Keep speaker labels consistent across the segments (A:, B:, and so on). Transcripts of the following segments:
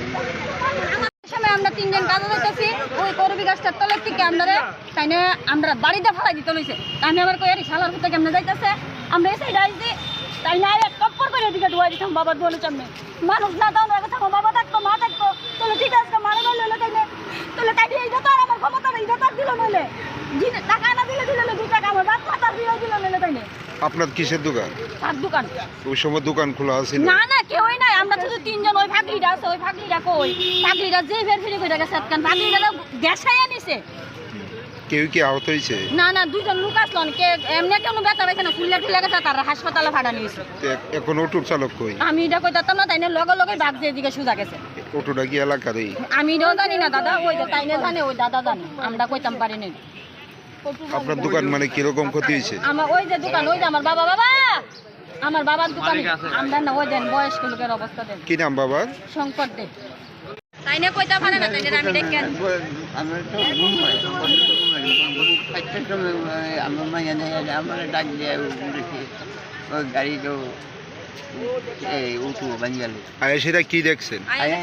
A: সময় আমরা তিনজন কাজে যাইতেছি ওই করবি গাছটার তলের থেকে আমরা বাড়িতে ফালাই দিতে লইছে। আমি আবার কই আরে শালার পুতে কেমনে যাইতেছে আমরা এসে ডাইছি তাই না এক টপ্পর করে এদিকে ঢুয়াই দিতাম বাবার দোয়ালের সামনে। মানুষ না দাও না কথা বাবা থাকতো মা থাকতো তাহলে ঠিক আছে মারা গেল তাইলে তাহলে তাই এইটা তো আর আমার ক্ষমতা নেই, এটা তো দিল নইলে টাকা না দিলে 2 টাকা আমার বাপ মাতার দিল নইলে তাইলে।
B: আপনার কিসের দোকান?
A: তার দোকান।
B: ওই সময় দোকান খোলা আছে
A: না না কেউই নাই, আমরা শুধু তিনজন। ওই ফাঁকলিটা আছে, ওই ফাঁকলিটা কই ফাঁকলিটা যে ফের ফিরে কই গেছে কারণ ফাঁকলিটা গ্যাসাইয়া নিছে।
B: কেউ কি আহত হয়েছে?
A: না না দুজন লোক আসলো কে এমনি কেন ব্যথা পাইছে না ফুললে টুলে গেছে তার হাসপাতালে ভাড়া নিয়েছে।
B: এখন অটোর চালক কই?
A: আমি এটা কইতাম না তাই না লগে লগে বাঘ যেদিকে সোজা গেছে।
B: অটোটা কি এলাকারই?
A: আমি এটাও জানি না দাদা, ওই তাই না জানে ওই দাদা জানে, আমরা কইতাম পারি না।
B: আপনার দোকান মানে কিরকম ক্ষতি হয়েছে?
A: আমার ওই যে দোকান ওই যে আমার আমার বাবার দোকানে আমরা না ওই দেন বয়স্ক লোকের অবস্থা দেন।
B: কি নাম বাবার?
A: শঙ্কর দে। তাই না কইতা পারে না তাই না আমি দেখেন
C: আমার তো ঘুম হয় একটা সময় আমার মা জানে আমার ডাক দিয়ে উঠেছে ওই গাড়ি তো এই উঠু বাঙ্গাল
B: সেটা কি দেখছেন?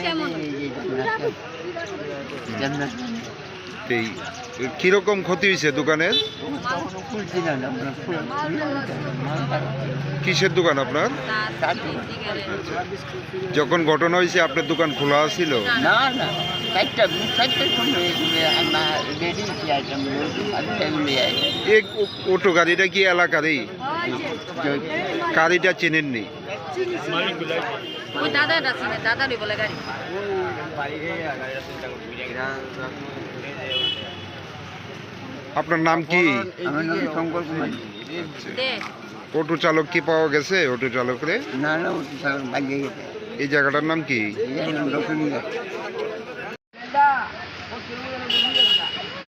B: এই কিরকম ক্ষতি হয়েছে দোকানের? কিসের দোকান আপনার? যখন ঘটনা হয়েছে আপনার দোকান খোলা ছিল?
C: না না
B: অটো গাড়িটা কি এলাকারই? গাড়িটা চেনেননি?
A: ওই দাদাটা ছিলেন, দাদারই বলে গাড়ি।
B: আপনার নাম কি?
C: আমার নাম শঙ্কর কুমার।
B: অটো চালক কি পাওয়া গেছে? অটো চালকরে?
C: না না অটো চালক ভাগ্যে গেছে।
B: এই জায়গাটার নাম কি?
C: এই জায়গার নাম দক্ষিণ।